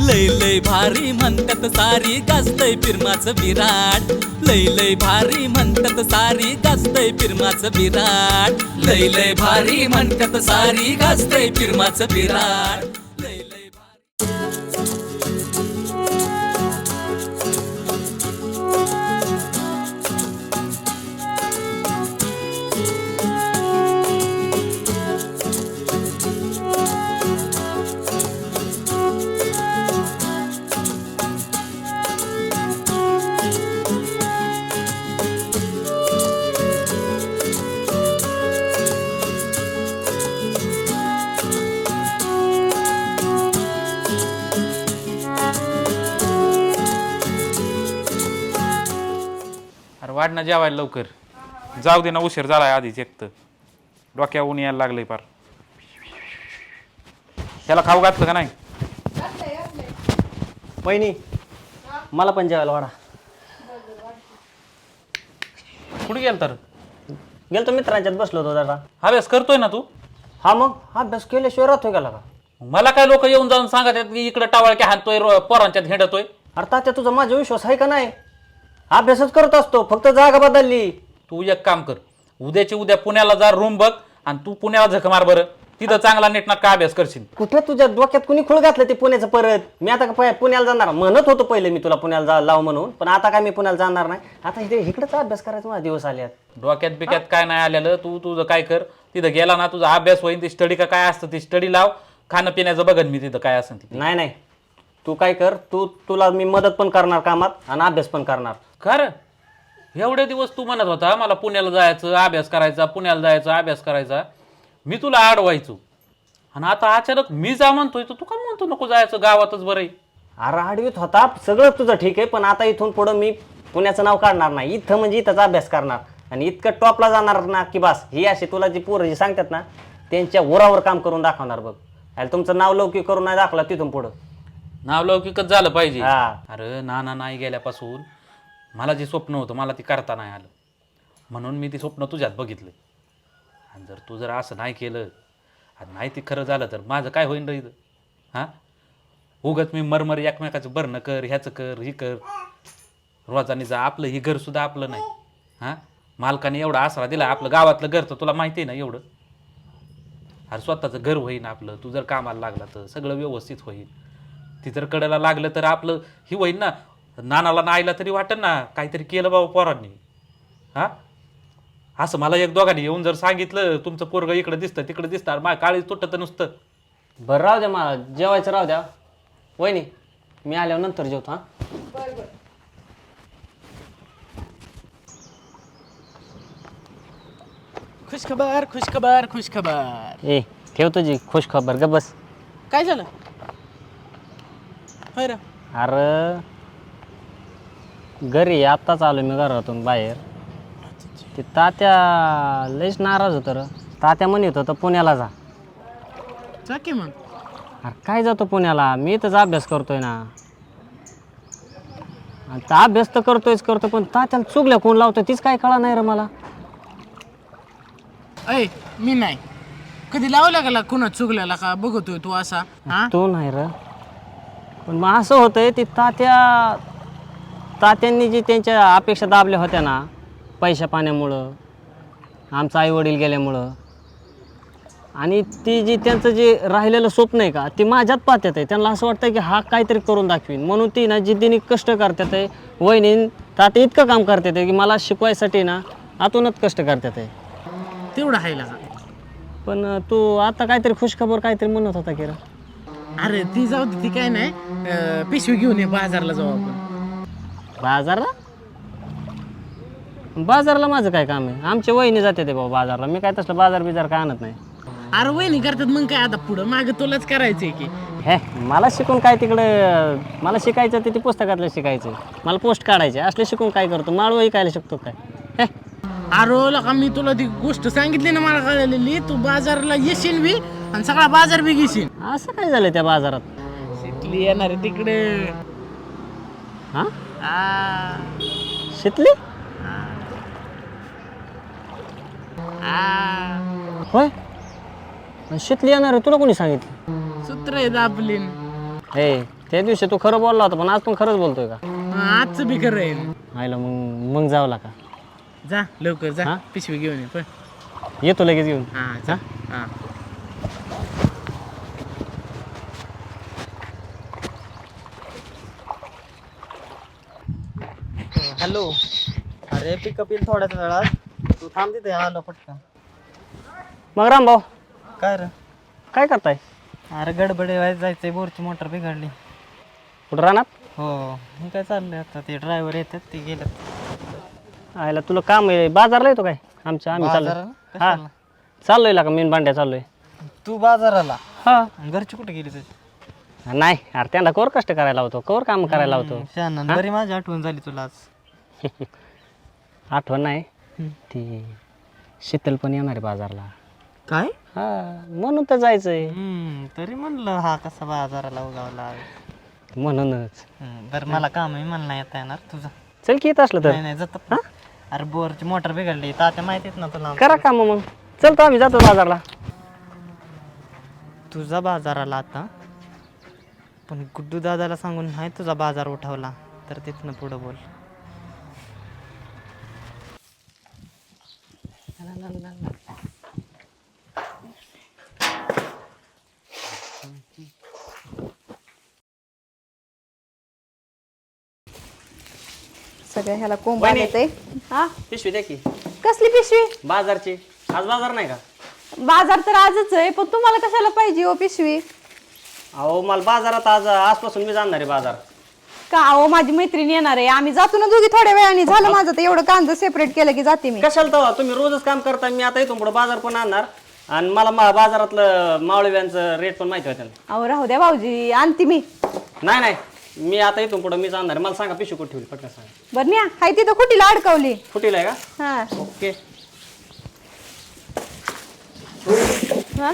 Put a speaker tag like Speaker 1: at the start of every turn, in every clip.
Speaker 1: लय लय भारी म्हणतात सारी गाजतय फिरमाचं विराट लय लय भारी म्हणतात सारी गाजतय फिरमाचं विराट लय लय भारी म्हणतात सारी गाजतय फिरमाचं विराट लय लय भारी
Speaker 2: वाढ ना जेवायला लवकर जाऊ दे ना उशीर झालाय आधीच एक तर डोक्या ऊन यायला लागलंय पार त्याला खाऊ घातलं का नाही
Speaker 3: वहिनी मला पण जेवायला वाढा
Speaker 2: कुठे गेल तर
Speaker 3: गेलतो मित्रांच्यात बसलो होतो जरा
Speaker 2: अभ्यास करतोय ना तू
Speaker 3: हा मग अभ्यास केल्याशिवाय राहतोय गेला का
Speaker 2: मला काय लोक येऊन जाऊन सांगत आहेत की इकडे टावळक्या हाणतोय पोरांच्यात हिंडतोय
Speaker 3: अरे तात्या तुझा माझा विश्वास आहे का नाही अभ्यासच करत असतो फक्त जागा बदलली
Speaker 2: तू एक काम कर उद्याची उद्या पुण्याला जा रूम बघ आणि तू पुण्याला झक मार बरं तिथं चांगला नेटनाटका अभ्यास करशील
Speaker 3: कुठे तुझ्या डोक्यात कुणी खुळ घातलं ते पुण्याचं परत मी आता पुण्याला जाणार म्हणत होतो पहिले मी तुला पुण्याला लाव म्हणून पण आता काय मी पुण्याला जाणार नाही आता इथे इकडेच अभ्यास करायचा माझा दिवस आले
Speaker 2: डोक्यात बिक्यात काय नाही आलेलं तू तुझं काय कर तिथं गेला ना तुझा अभ्यास होईल ती स्टडी का काय असतं ती स्टडी लाव खाणं पिण्याचं बघन मी तिथं काय असेल ती
Speaker 3: नाही नाही तू काय कर तुला मी मदत पण करणार कामात आणि अभ्यास पण करणार
Speaker 2: खरं एवढे दिवस तू म्हणत होता मला पुण्याला जायचं अभ्यास करायचा पुण्याला जायचं अभ्यास करायचा मी तुला अडवायचो आणि आता अचानक मी जा म्हणतोय तर तू का म्हणतो नको जायचं गावातच बरं आहे
Speaker 3: अरे आडवीत होता सगळं तुझं ठीक आहे पण आता इथून पुढं मी पुण्याचं नाव काढणार नाही इथं म्हणजे इथंच अभ्यास करणार आणि इतकं टॉपला जाणार ना की बस ही अशी तुला जी पोरं जी सांगतात ना त्यांच्या उरावर काम करून दाखवणार बघ अरे तुमचं नाव लौकिक करून नाही दाखवलं तिथून पुढं
Speaker 2: नाव लौकिकच झालं पाहिजे
Speaker 3: हा.
Speaker 2: अरे नाना नाही गेल्यापासून मला जे स्वप्न होतं मला ती करता नाही आलं म्हणून मी ती स्वप्न तुझ्यात बघितलं आणि जर तू जर असं नाही केलं आणि नाही ती खरं झालं तर माझं काय होईन रे इथं हां उगत मी मरमर एकमेकाचं बरणं कर ह्याचं कर ही कर रोजानी जा आपलं ही घरसुद्धा आपलं नाही हां मालकाने एवढा आसरा दिला आपलं गावातलं घर तर तुला माहिती आहे ना एवढं अरे स्वतःचं घर होईन आपलं तू जर कामाला लागला तर सगळं व्यवस्थित होईल ती जर कडेला लागलं तर आपलं ही होईल ना नानाला नाईला तरी वाटेल ना काहीतरी केलं बाबा पोरांनी हां असं मला एक दोघांनी येऊन जर सांगितलं तुमचं पोरगं इकडं दिसतं तिकडं दिसतं अरे माझ्या काळीच तुटतं नुसतं
Speaker 3: बरं राहू द्या मला जेवायचं राहू द्या वहिनी मी आल्यावर नंतर जेवतो हां
Speaker 4: खुशखबर खुशखबर खुशखबर
Speaker 3: ए ठेव तुझी खुश खबर ग बस
Speaker 4: काय झालं होय रे
Speaker 3: अरे घरी आत्ताच आलो मी घरातून बाहेर ते तात्या लयच नाराज होतं र तात्या म्हणत होतं पुण्याला जा
Speaker 4: जा की मग
Speaker 3: अरे काय जातो पुण्याला मी इथंच अभ्यास करतोय ना आता अभ्यास तर करतो पण तात्याला चुकल्या कोण लावतोय तीच काय कळा नाही रे मला
Speaker 4: ऐ मी नाही कधी लावला गेला कुणा चुकल्याला का बघतोय तू असा हा
Speaker 3: तो नाही र पण मग असं होतंय ती तात्यांनी जी त्यांच्या अपेक्षा दाबल्या होत्या ना पैशा पाण्यामुळं आमचं आईवडील गेल्यामुळं आणि ती जी त्यांचं जे राहिलेलं स्वप्न आहे का ती माझ्यात पाहतात आहे त्यांना असं वाटतं की हा काहीतरी करून दाखवीन म्हणून ती ना जिद्दीने कष्ट करतात आहे वहिनी तात्या इतकं काम करतात आहे की मला शिकवायसाठी ना आतूनच कष्ट करतात आहे
Speaker 4: तेवढं आहे का
Speaker 3: पण तू आता काहीतरी खुशखबर काहीतरी म्हणत होता की रे
Speaker 4: अरे ती जाऊ दे ती काय नाही पिशवी घेऊन ये बाजारला जाऊ आपण
Speaker 3: बाजारला माझं काय काम आहे आमच्या वहिनी जाते ते बाबा बाजारला मी काय तसलं बाजार काय आणत नाही
Speaker 4: अरे वहिनी करतात मग काय आता पुढं मागं तुलाच करायचंय की
Speaker 3: हे मला शिकून काय तिकडं मला शिकायचं ते पुस्तकातलं शिकायचं मला पोस्ट काढायचे असले शिकून काय करतो माळवं ऐकायला शिकतो काय हे
Speaker 4: अरे लका मी तुला ती गोष्ट सांगितली ना मला कळलेली तू बाजारला येशील बी आणि सगळा बाजार बी घेशील
Speaker 3: असं काय झालं त्या बाजारात
Speaker 4: शिकली येणार आहे तिकडे
Speaker 3: हां
Speaker 4: आ,
Speaker 3: शिकली
Speaker 4: आ,
Speaker 3: होय शिकली येणार आहे तुला कोणी सांगितलं
Speaker 4: सूत्र आहे दाबलीन
Speaker 3: हे त्या दिवशी तू खरं बोलला होता पण आज पण खरंच बोलतोय का?
Speaker 4: आजचं बी खरं आहे.
Speaker 3: आईला मग जावला का?
Speaker 4: जा लवकर जा,
Speaker 3: हा?
Speaker 4: पिशवी घेऊन ये पण.
Speaker 3: येतो लगेच घेऊन.
Speaker 4: हा जा. हा
Speaker 5: हॅलो. अरे पिकअप येईल थोड्याच वेळात, तू थांब तिथे आलो पटकन.
Speaker 3: मग रामभाऊ
Speaker 5: काय रे?
Speaker 3: काय करताय?
Speaker 5: अरे गडबड व्हायचं जायचंय, बोरची मोटर बिघडली.
Speaker 3: कुठं राहणार?
Speaker 5: हो. मी काय चाललंय आता, ते ड्रायव्हर येतात ते गेलेत.
Speaker 3: आईला तुला काम आहे, बाजारला येतो काय? आम्ही चाललोय.
Speaker 5: बाजाराला?
Speaker 3: हा
Speaker 5: कशाला?
Speaker 3: चाललोय का मीन भांड्या चाललोय.
Speaker 5: तू बाजाराला?
Speaker 3: हा
Speaker 5: आणि घरची कुठे गेली तुझी?
Speaker 3: नाही अरे त्यांना कवर कष्ट करायला होतो, कवर काम करायला होतो.
Speaker 5: शहाणा, बरी माझी आठवण झाली तुला आज.
Speaker 3: आठवण नाही ती शीतल पण येणार आहे बाजारला.
Speaker 5: काय?
Speaker 3: हा म्हणून तर जायचंय.
Speaker 5: तरी म्हणलं हा कसा बाजाराला उगावला.
Speaker 3: म्हणूनच
Speaker 5: बरं मला काम आहे, मला नाही येता येणार. तुझं
Speaker 3: चल की येत असलं तर
Speaker 5: नाही जात. अरे बोरची मोटर बिघडली, तात्या माहितीत ना तुला.
Speaker 3: करा काम मग. चल तर आम्ही जातो बाजारला.
Speaker 5: तुझा बाजाराला आता, पण गुड्डू दादाला सांगून नाही तुझा बाजार उठवला तर तिथनं पुढं बोल.
Speaker 6: सगळ्या ह्याला कोंबा येते. हा
Speaker 3: पिशवी द्या की.
Speaker 6: कसली पिशवी?
Speaker 3: बाजारची. आज बाजार नाही का?
Speaker 6: बाजार तर आजच आहे, पण तुम्हाला कशाला पाहिजे हो पिशवी?
Speaker 3: अहो मला बाजारात आजपासून मी जाणार आहे बाजार.
Speaker 6: का अहो माझी मैत्रीण येणार आहे, आम्ही जातो ना दोघी थोड्या वेळाने. झालं माझं तर एवढं कांदा सेपरेट केलं की जाते मी.
Speaker 3: कशाला तवा तुम्ही रोजच काम करता, मी आता इथून पुढे बाजार पण आणणार आणि मला बाजारातलं मावळव्यांचं रेट पण माहिती होतं.
Speaker 6: अहो राहू द्या भाऊजी, आणते मी.
Speaker 3: नाही मी आता इथून पुढे मीच आणणार. मला सांगा पिशवी कुठे ठेवली पटकन सांगा.
Speaker 6: बरं न्या, हाय तिथं खुटीला अडकवली.
Speaker 3: फुटीला आहे का?
Speaker 6: हा
Speaker 3: ओके.
Speaker 6: हा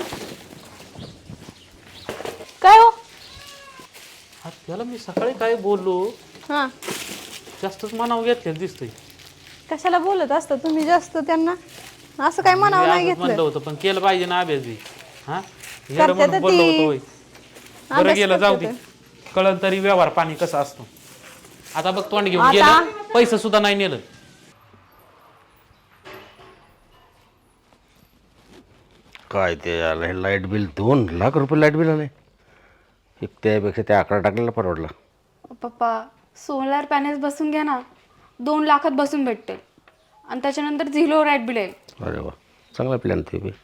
Speaker 6: काय हो?
Speaker 2: त्याला मी सकाळी काय बोललो,
Speaker 6: हा
Speaker 2: जास्तच मनावर घेतलेलं दिसतंय.
Speaker 6: कशाला बोलत असता तुम्ही जास्त त्यांना? असं काय म्हणावं नाही
Speaker 2: म्हणलं
Speaker 6: घेतलं.
Speaker 2: होतं पण केलं पाहिजे ना अभ्यास बी. हा
Speaker 6: करते
Speaker 2: म्हणून
Speaker 6: तर
Speaker 2: बोललो
Speaker 6: ती.
Speaker 2: होतो होय. बरं
Speaker 6: अभ्यास
Speaker 2: गेलं, जाऊ
Speaker 6: करते
Speaker 2: दे. कळलं तरी व्यवहार पाणी कसा असतो. आता बघ तोंड घेऊन
Speaker 6: आता?
Speaker 2: गेलं, पैसे सुद्धा नाही नेलं.
Speaker 7: काय ते आलं हे लाईट बिल 2 लाख रुपये लाईट बिल आले. एक त्यापेक्षा त्या आकडा टाकलेला परवडला.
Speaker 8: पप्पा सोलार पॅनेल्स बसून घ्या ना, 2 लाखात बसून भेटते आणि त्याच्यानंतर 0 लाईट बिल येईल.
Speaker 7: अरे वा, चांगला प्लॅन ते बी.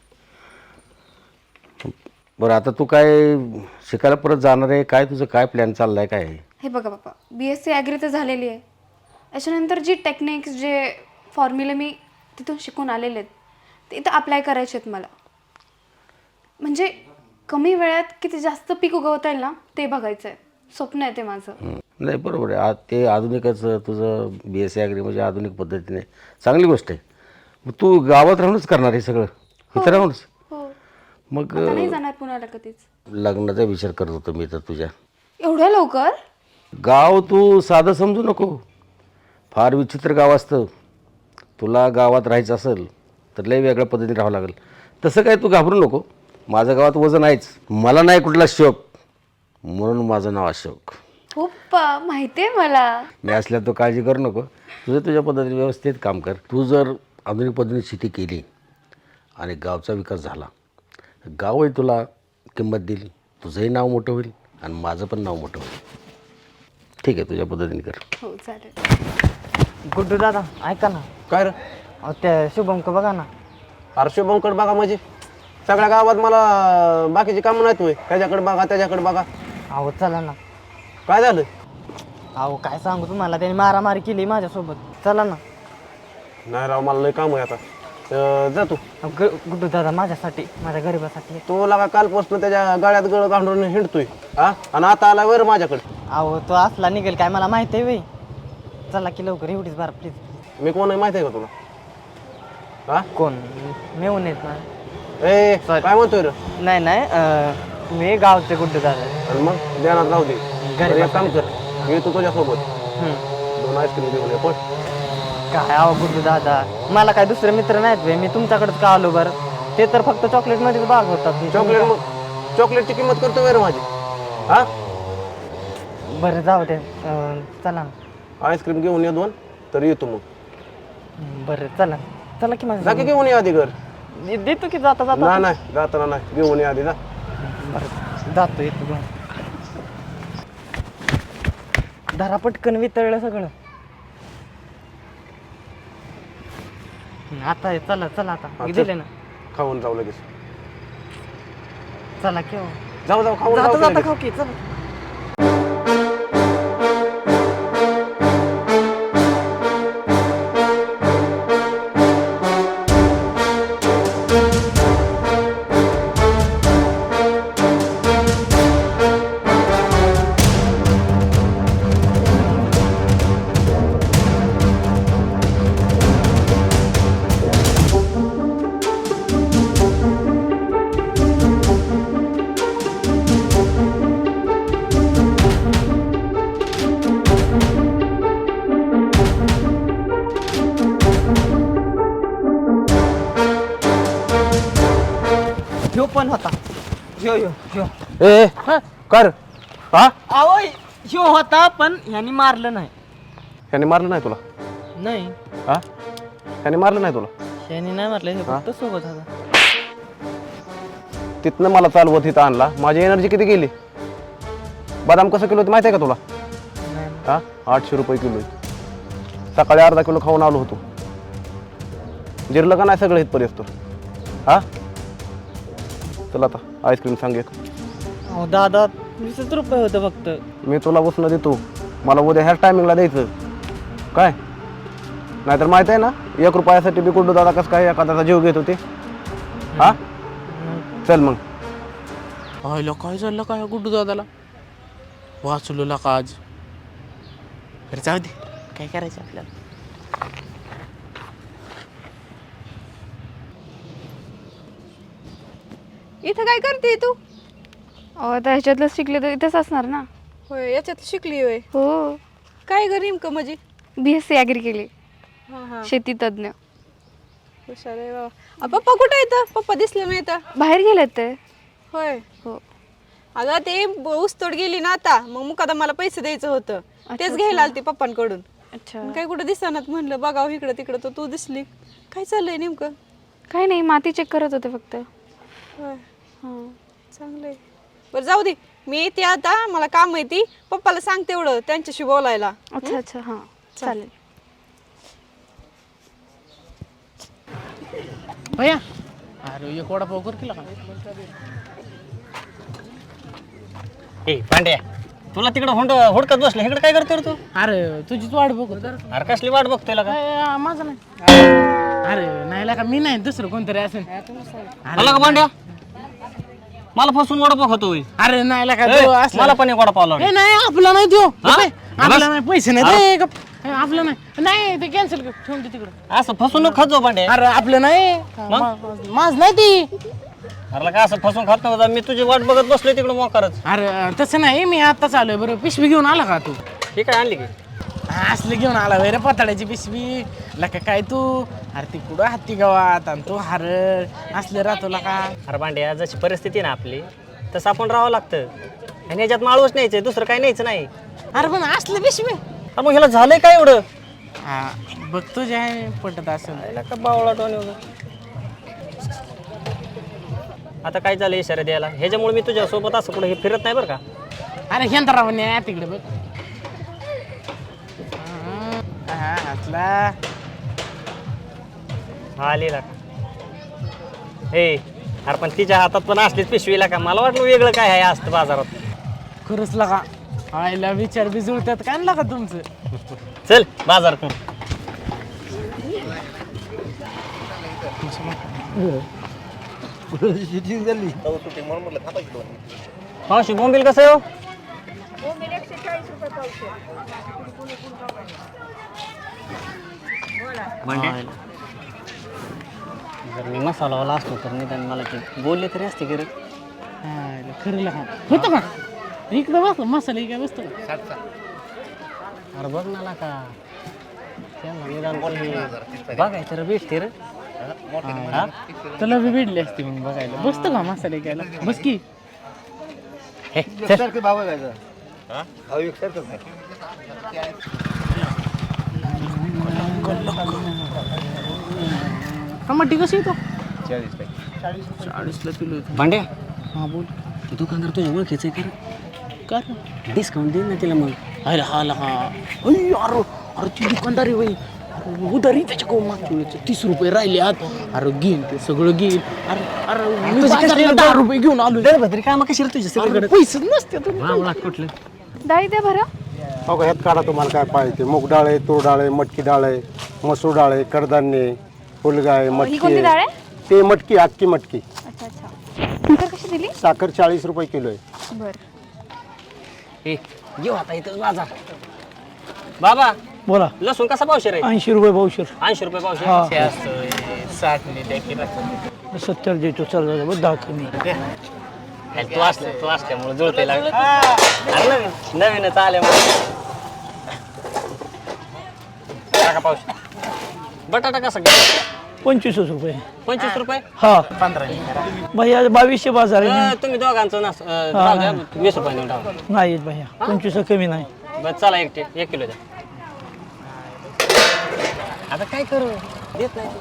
Speaker 7: बरं आता तू काय शिकायला परत जाणार आहे काय? तुझं काय प्लॅन चालला आहे काय?
Speaker 8: हे बघा पप्पा, BSc ॲग्री तर झालेली आहे. त्याच्यानंतर जी टेक्निक्स जे फॉर्म्युले मी तिथून शिकून आलेले आहेत ते इथं अप्लाय करायचे आहेत मला. म्हणजे कमी वेळात किती जास्त पीक उगवता येईल ना ते बघायचं आहे. स्वप्न आहे ते माझं.
Speaker 7: नाही बरोबर आहे. आज ते आधुनिकच तुझं BSc ॲग्री म्हणजे आधुनिक पद्धतीने चांगली गोष्ट आहे. मग तू गावात राहूनच करणार हे सगळं? इथं राहूनच?
Speaker 8: हो.
Speaker 7: मग
Speaker 8: आता नाही जाणार पुण्याला कधीच.
Speaker 7: लग्नाचा विचार करत होतो मी तर तुझ्या.
Speaker 8: एवढ्या लवकर?
Speaker 7: गाव तू साधं समजू नको, फार विचित्र गाव असतं. तुला गावात राहायचं असेल तर लय वेगळ्या पद्धतीने राहावं लागेल. तसं काय तू घाबरू नको. माझं गावात वजन आहेच. मला नाही कुठला शोक, म्हणून माझं नाव अशोक.
Speaker 8: हो पप्पा माहिती आहे मला.
Speaker 7: मी असल्या तो काळजी करू नको. तुझ्या पद्धतीने व्यवस्थित काम कर. तू जर आधुनिक पद्धतीने शेती केली आणि गावचा विकास झाला, गावही तुला किंमत देईल, तुझंही नाव मोठं होईल आणि माझं पण नाव मोठं होईल. ठीक आहे, तुझ्या पद्धतीने कर.
Speaker 8: हो चालेल.
Speaker 5: गुड्डू दादा ऐका ना.
Speaker 9: काय रे?
Speaker 5: अहो त्या शुभमक बघा ना.
Speaker 9: अरे शुभमकडे बघा म्हणजे सगळ्या गावात मला बाकीची कामं नाहीत होय. त्याच्याकडे बघा त्याच्याकडे बघा.
Speaker 5: अहो चला ना.
Speaker 9: काय झालं?
Speaker 5: अहो काय सांगू तुम्हाला, त्याने मारामारी केली माझ्यासोबत. चला ना.
Speaker 9: नाही राव, मला लय काम आहे आता. जा तू.
Speaker 5: गुड्डू दादा माझ्यासाठी, माझ्या गरिबासाठी.
Speaker 9: तो लागा कालपासून त्याच्या गाड्यात गळ घालून हिंडतोय हा, आणि आता आला वर माझ्याकडे.
Speaker 5: अहो तो असला निघेल काय मला माहिती आहे. चला की लवकर, एवढीच बार प्लीज.
Speaker 9: मी कोण आहे माहिती आहे का तुला? हा
Speaker 5: कोण? मेहून येत ना.
Speaker 9: ए
Speaker 5: Sorry.
Speaker 9: काय म्हणतोय रे?
Speaker 5: नाही मी गावचे गुड्डू दादा.
Speaker 9: आणि मग ध्यानात राहू दे.
Speaker 5: घरी
Speaker 9: एक काम कर, येतो तुझ्यासोबत.
Speaker 5: हम्म.
Speaker 9: 2 आईस्क्रीम घेऊन ये पण.
Speaker 5: काय अहो गुड्डू दादा, मला काय दुसरे मित्र नाहीत बे. मी तुमच्याकडेच का आलो बरं? ते तर फक्त चॉकलेटमध्येच भाग होतात.
Speaker 9: चॉकलेटची किंमत करतो रे माझी. हा
Speaker 5: बरं जाऊ दे चला ना.
Speaker 9: आईस्क्रीम घेऊन ये 2 तर येतो मग.
Speaker 5: बरं चला चला की माझं
Speaker 9: जा की घेऊन ये आधी घर.
Speaker 5: देतो की जाता जाता.
Speaker 9: नाही जाताना नाही घेऊन ये आधी जा.
Speaker 5: बरं जातो येतो घेऊन. धरा पटकन वितळलं सगळं. आता आहे, चला चला आता
Speaker 9: हा, चल.
Speaker 5: दिले ना.
Speaker 9: खाऊन जाऊ लगेच.
Speaker 5: चला केव्हा
Speaker 9: जाऊ खाऊन
Speaker 5: जाता
Speaker 9: जाऊ
Speaker 5: जाता
Speaker 9: लगेच.
Speaker 5: खाऊ की चला. ह्यो पण होता. ह्यो ह्यो ह्यो
Speaker 9: ए कर. हा
Speaker 5: आवो ह्यो होता पण ह्यानी मारलं नाही.
Speaker 9: ह्याने मारलं नाही तुला?
Speaker 5: नाही
Speaker 9: हा ह्याने मारलं नाही तुला?
Speaker 5: ह्यानी नाही मारलं, हे फक्त सोबत होता.
Speaker 9: तिथनं मला चालवत इथं आणला. माझी एनर्जी किती गेली? बदाम कसं किलो माहिती आहे का तुला? हा 800 रुपये किलो. सकाळी अर्धा किलो खाऊन आलो होतो. जिरलं का नाही सगळं इथपर्यंत? हा चला आता आईस्क्रीम सांग एक.
Speaker 5: अहो दादा 20 रुपये होतं फक्त.
Speaker 9: मी तुला बसणं देतो. मला उद्या ह्याच टायमिंगला द्यायचं काय? नाहीतर माहित आहे ना 1 रुपयासाठी बी गुड्डू दादा कसं काय एखाद्याचा जीव घेत होते. हा चल मग.
Speaker 4: व्हायला काय झालं काय गुड्डू दादाला वाचलो का आज. अरे जाऊ दे काय करायचं आपल्याला.
Speaker 6: इथं काय करते तू?
Speaker 8: आता ह्याच्यातलं शिकले तर इथेच असणार ना.
Speaker 6: होय याच्यात शिकली होय.
Speaker 8: हो
Speaker 6: काय ग नेमकं म्हणजे?
Speaker 8: BSc ॲग्री केली.
Speaker 6: हां हां
Speaker 8: शेती तज्ञ.
Speaker 6: हुशार आहे बाबा. पप्पा कुठे आहेत? पप्पा दिसले नाही तर.
Speaker 8: बाहेर गेलेत ते.
Speaker 6: होय
Speaker 8: हो.
Speaker 6: अगं ते ऊसतोड गेली ना आता, मग मुकादा मला पैसे द्यायचं होतं, तेच घ्यायला आलती पप्पांकडून.
Speaker 8: अच्छा.
Speaker 6: पण काय कुठं दिसणार म्हणलं बघावं इकडं तिकडं, तर तू दिसली. काय चाललंय नेमकं?
Speaker 8: काही नाही, माती चेक करत होते फक्त.
Speaker 6: होय हां चांगलंय. बरं जाऊ दे, मी येते आता, मला काम आहे ती. पप्पाला सांग तेवढं त्यांच्याशी बोलायला.
Speaker 8: अच्छा अच्छा हां चालेल.
Speaker 4: भैया अरे एक वडापाव कर केला का?
Speaker 3: ए पांड्या, तुला तिकडं हुडकत बसलं, इकडे काय करतो रे तू?
Speaker 4: अरे तुझीच वाट बघतो.
Speaker 3: अरे कसली वाट बघतोय का?
Speaker 4: माझं नाही. अरे नाही का मी नाही, दुसरं कोणतरी असेल.
Speaker 3: मला का पांड्या, मला फसून वडापाव खातोय.
Speaker 4: अरे नाही का
Speaker 3: ए,
Speaker 4: तो असला.
Speaker 3: मला पण एक वडापाव लावला.
Speaker 4: ए, नाही आपला नाही तो.
Speaker 3: हा?
Speaker 4: आपला नाही, पैसे नाही. ए, गप. ए, आपलं नाही. नाही ते कॅन्सल कर, ठेवून दे तिकडं.
Speaker 3: असं फसून खातो पांड्या.
Speaker 4: अरे आपलं नाही, माझ नाही ती.
Speaker 3: अरे का असं फसून खात नव्हता, मी तुझी वाट बघत बसलोय तिकडे मोकारच.
Speaker 4: अरे तसं नाही, मी आत्ताच आलोय. बरं पिशवी घेऊन आला का तू?
Speaker 3: हे काय आणली की?
Speaker 4: असले घेऊन आला रे पताड्याची पिशवी. लका काय तू? अरे ती कुठं हत्ती गावात आणि तू हर असले राहतो का?
Speaker 3: अरे पांड्या, जशी परिस्थिती ना आपली तसं आपण राहावं लागतं. आणि याच्यात माळूच न्यायचंय, दुसरं काही न्यायचं नाही.
Speaker 4: अरे पण असले पिशवी.
Speaker 3: मग ह्याला झालंय काय एवढं?
Speaker 4: हा बघ तुझ्या आहे पटत असेल.
Speaker 3: का बावळा टोन आता काय झालं इशारा द्यायला? ह्याच्यामुळे मी तुझ्या सोबत असं कुठं हे फिरत नाही बरं का.
Speaker 4: अरे हेंतराव तिकडे बघ. हा असला
Speaker 3: आलेला का? हे अरे पण तिच्या हातात पण असलीच पिशवीला का? मला वाटलं वेगळं काय आहे असतं बाजारात.
Speaker 4: खरंच लगा आईला विचार बी जुळतात का आणला का तुमचं?
Speaker 3: चल बाजार करून. मावशी बोंबील कसं आहे हो? जर मी मसालावाला असतो तर निदान मला ते बोलले तरी असते की रे.
Speaker 4: आईला खरं लगा होतं का? इकडे बस मसाला काय बसतो का?
Speaker 3: अरे बघ ना का त्यांना निदान बघाय तर भेटते रे.
Speaker 4: हा? तुला बी भेटली असते मग बघायला. बसतो का मसाला घ्यायला? बस की.
Speaker 3: हे, चल.
Speaker 4: टमाटे कसे येतो
Speaker 9: 40ला किलो
Speaker 3: भांड्या
Speaker 4: हां बोल
Speaker 3: ते दुकानदार तुझ्या ओळखीचं आहे
Speaker 4: का
Speaker 3: का डिस्काउंट दे ना तिला मग
Speaker 4: अरे हा अरे अरे ती दुकानदारी बाई उधारी त्याच्याकडून मागच्या वेळेचे 30 रुपये राहिले आत अरे घेईन ते सगळं घेईन अरे अरे मी बाजारात 10 रुपये घेऊन आलो
Speaker 3: भद्री काम कशी तुझ्या सगळीकडे
Speaker 4: पैसे नसते
Speaker 3: कुठलं
Speaker 8: डाळी द्या बरं.
Speaker 10: हो का, ह्यात काढा तुम्हाला काय पाहिजे. मूग डाळ आहे, तूर डाळ आहे, मटकी डाळ आहे, मसूर डाळ आहे, कडधान्य, फुलगा आहे,
Speaker 8: ही
Speaker 10: मटकी
Speaker 8: कोणती डाळ
Speaker 10: आहे.
Speaker 8: आहे?
Speaker 10: ते मटकी, अख्खी मटकी.
Speaker 8: अच्छा साखर कशी दिली?
Speaker 10: साखर 40 रुपये किलो आहे.
Speaker 8: बरं.
Speaker 3: येऊ आता इथं बाजार. बाबा
Speaker 4: बोला
Speaker 3: लसूण कसा पावशेर आहे?
Speaker 4: 80 रुपये पावशेर
Speaker 3: 80 रुपये पावशेर.
Speaker 4: 70 देतो चल बघ कमी
Speaker 3: तू असल्यामुळे जुळते लागलं नवीनच आल्यामुळे. टाका पावशेर. बटाटा कसा घ्या?
Speaker 4: 25 रुपये
Speaker 3: 25 रुपये.
Speaker 4: हा 15 भैया 2200 बाजार आहे
Speaker 3: तुम्ही दोघांचं नास राहू द्या, 20 रुपये देऊन टाका.
Speaker 4: नाही भैया 25 कमी नाही.
Speaker 3: बस चला 1 किलो द्या. आता काय करू देत नाही.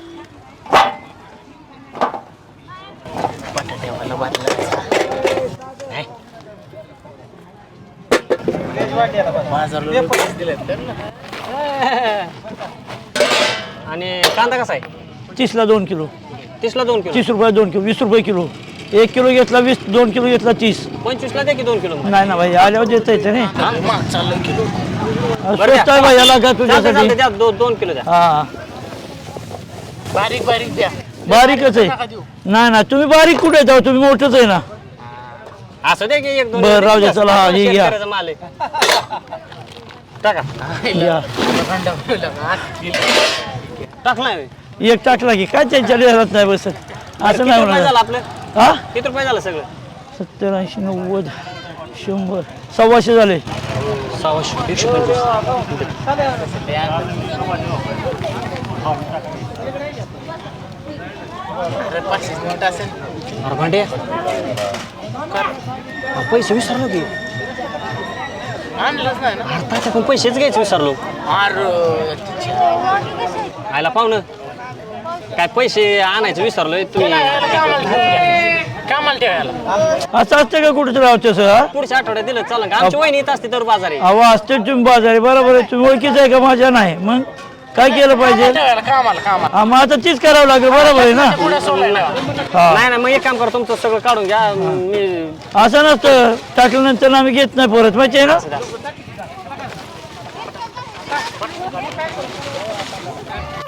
Speaker 3: आणि कांदा कसा आहे?
Speaker 4: 30ला 2 किलो
Speaker 3: 30ला 2 किलो.
Speaker 4: 30 रुपये 2 किलो 20 रुपये किलो. 1 किलो घेतला 20, 2 किलो घेतला 30.
Speaker 3: 25ला द्या की 2 किलो.
Speaker 4: नाही ना भाई आल्यावर देता येते नाही स्वस्त आहे भाई याला का तुझ्यासाठी.
Speaker 3: द्या 2 किलो द्या.
Speaker 4: हा बारीक बारीक द्या. बारीकच आहे. नाही ना तुम्ही बारीक कुठे जाऊ, तुम्ही मोठंच आहे ना.
Speaker 3: असं द्या की 1-2.
Speaker 4: बरं राहू द्या चला. हा हे घ्या
Speaker 3: शेतकऱ्याचा माल आहे. टाका.
Speaker 4: घ्या.
Speaker 3: टाकलाय.
Speaker 4: एक टाकला की काय त्यांच्या घरात नाही बसत असं नाही
Speaker 3: रुपये झालं
Speaker 4: होणार.
Speaker 3: आपलं?
Speaker 4: हा
Speaker 3: किती रुपये झालं सगळं?
Speaker 4: 70, 80, 90, 100, 125 झाले.
Speaker 3: 125. अरे भांडे पैसे विसरलो की आणलंच पण पैसेच घ्यायचे विसरलो. आयला पाहुणं काय पैसे आणायचे विसरलोय तुम्ही. कामाला ठेवायला
Speaker 4: असं असतं का कुठे राहते सर.
Speaker 3: पुढच्या आठवड्यात दिलं चालेल का? आमची वहिनी येत असते तर बाजार आहे.
Speaker 4: अहो असते तुम्ही बाजारी बरोबर आहे. तुम्ही ओळखीच आहे का माझ्या नाही मग काय केलं पाहिजे. हा, मग आता तीच करावं लागेल बरोबर आहे ना. हा
Speaker 3: नाही मग एक काम करा, तुमचं सगळं काढून घ्या. मी
Speaker 4: असं नसतं टाकल्यानंतर आम्ही घेत नाही परत माहिती आहे ना.